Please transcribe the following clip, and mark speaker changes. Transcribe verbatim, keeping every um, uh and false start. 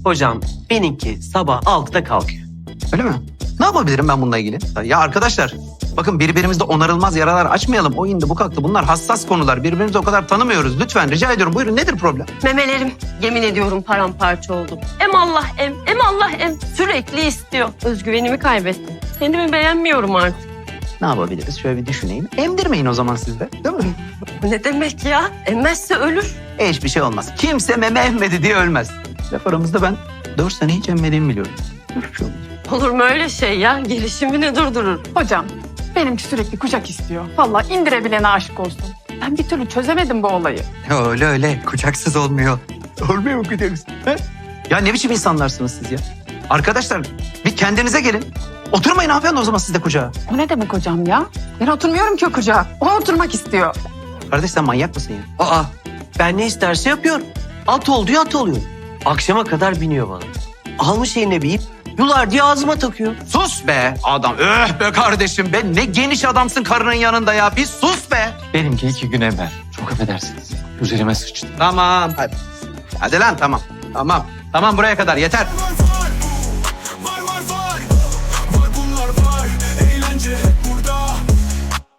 Speaker 1: Hocam benimki sabah altıda kalkıyor.
Speaker 2: Öyle mi? Ne yapabilirim ben bununla ilgili? Ya arkadaşlar bakın birbirimizde onarılmaz yaralar açmayalım. O indi bu kalktı. Bunlar hassas konular. Birbirimizi o kadar tanımıyoruz. Lütfen rica ediyorum. Buyurun nedir problem?
Speaker 3: Memelerim yemin ediyorum paramparça oldu. Em Allah em, em Allah em. Sürekli istiyor. Özgüvenimi kaybettim. Kendimi beğenmiyorum artık.
Speaker 2: Ne yapabiliriz? Şöyle bir düşüneyim. Emdirmeyin o zaman siz de. Değil mi?
Speaker 3: Bu ne demek ya? Emmezse ölür.
Speaker 2: E, hiçbir şey olmaz. Kimse meme emmedi diye ölmez. Laf aramızda ben dört sene hiç emmediğimi biliyorum. Hiçbir şey olmaz.
Speaker 3: Olur mu öyle şey ya? Gelişimini durdurur.
Speaker 4: Hocam benimki sürekli kucak istiyor. Vallahi indirebilene aşık olsun. Ben bir türlü çözemedim bu olayı.
Speaker 5: Ya öyle öyle. Kucaksız olmuyor.
Speaker 2: Olmuyor mu kucaksız? He? Ya ne biçim insanlarsınız siz ya? Arkadaşlar bir kendinize gelin. Oturmayın hanımefendi o zaman siz de kucağa.
Speaker 4: O ne demek hocam ya? Ben oturmuyorum ki o kucağa. O oturmak istiyor.
Speaker 2: Kardeş sen manyak mısın ya?
Speaker 1: Aa ben ne isterse yapıyorum. At ol diyor at oluyor. Akşama kadar biniyor bana. Almış eline bir ip. Yular diye ağzıma takıyor.
Speaker 2: Sus be adam. Öh be kardeşim be. Ne geniş adamsın karının yanında ya. Bir sus be.
Speaker 6: Benimki iki gün evvel. Çok affedersiniz. Üzerime sıçtı.
Speaker 2: Tamam hadi. Hadi lan tamam. Tamam. Tamam buraya kadar yeter.